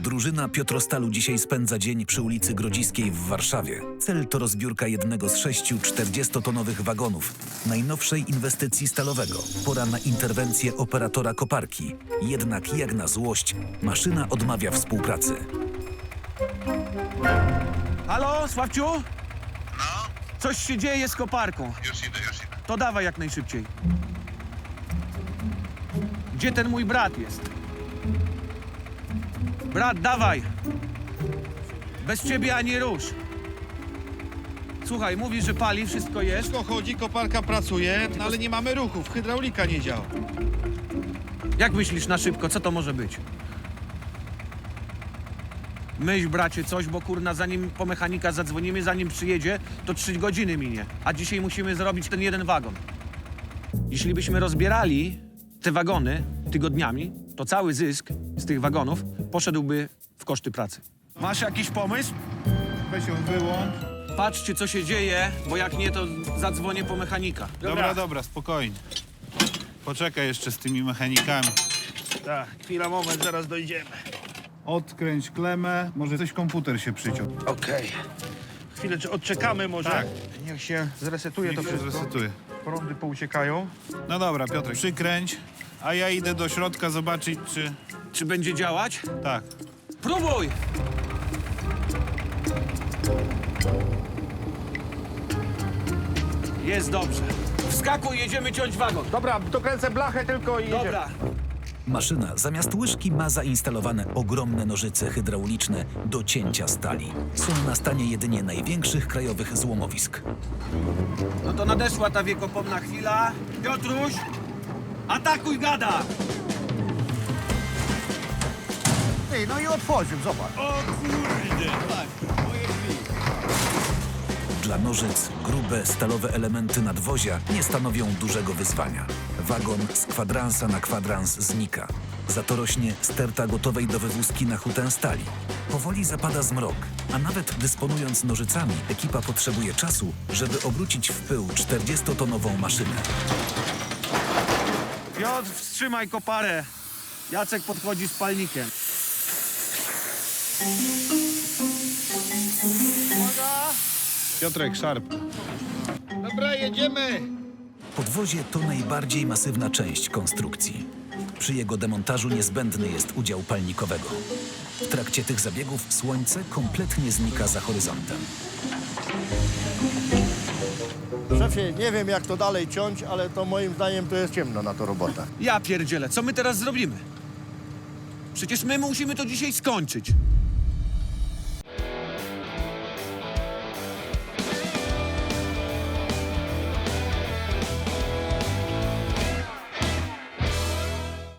Drużyna Piotrostalu dzisiaj spędza dzień przy ulicy Grodziskiej w Warszawie. Cel to rozbiórka jednego z 6 40-tonowych wagonów, najnowszej inwestycji stalowego. Pora na interwencję operatora koparki. Jednak jak na złość, maszyna odmawia współpracy. Halo, Sławciu? No, Coś się dzieje z koparką. już idę. To dawaj jak najszybciej. Gdzie ten mój brat jest? Brat, dawaj! Bez ciebie ani rusz. Słuchaj, mówisz, że pali, wszystko jest. Wszystko chodzi, koparka pracuje, no ale nie mamy ruchów, hydraulika nie działa. Jak myślisz na szybko, co to może być? Myśl, bracie, coś, bo kurna, zanim po mechanika zadzwonimy, zanim przyjedzie, to 3 godziny minie. A dzisiaj musimy zrobić ten jeden wagon. Jeśli byśmy rozbierali te wagony tygodniami, to cały zysk z tych wagonów poszedłby w koszty pracy. Masz jakiś pomysł? Weź ją wyłącz. Patrzcie, co się dzieje, bo jak nie, to zadzwonię po mechanika. Dobra, spokojnie. Poczekaj jeszcze z tymi mechanikami. Tak, chwila, moment, zaraz dojdziemy. Odkręć klemę, może coś komputer się przyciął. Okej. Chwilę, czy odczekamy może? Tak. Niech się zresetuje Niech to się wszystko. zresetuje. Prądy pouciekają. No dobra, Piotrek, przykręć, a ja idę do środka zobaczyć, czy... Czy będzie działać? Tak. Próbuj! Jest dobrze. Wskakuj, jedziemy ciąć wagon. Dobra, dokręcę blachę tylko i jedziemy. Dobra. Maszyna zamiast łyżki ma zainstalowane ogromne nożyce hydrauliczne do cięcia stali. Są na stanie jedynie największych krajowych złomowisk. No to nadeszła ta wiekopomna chwila. Piotruś, atakuj gada! Ty, no i otworzył, zobacz. Dla nożyc grube, stalowe elementy nadwozia nie stanowią dużego wyzwania. Wagon z kwadransa na kwadrans znika. Za to rośnie sterta gotowej do wywózki na hutę stali. Powoli zapada zmrok, a nawet dysponując nożycami, ekipa potrzebuje czasu, żeby obrócić w pył 40-tonową maszynę. Piotr, wstrzymaj koparę. Jacek podchodzi z palnikiem. Piotrek, szarp. Dobra, jedziemy. Podwozie to najbardziej masywna część konstrukcji. Przy jego demontażu niezbędny jest udział palnikowego. W trakcie tych zabiegów słońce kompletnie znika za horyzontem. Szefie, nie wiem jak to dalej ciąć, ale to moim zdaniem to jest ciemno na to robota. Ja pierdzielę, co my teraz zrobimy? Przecież my musimy to dzisiaj skończyć.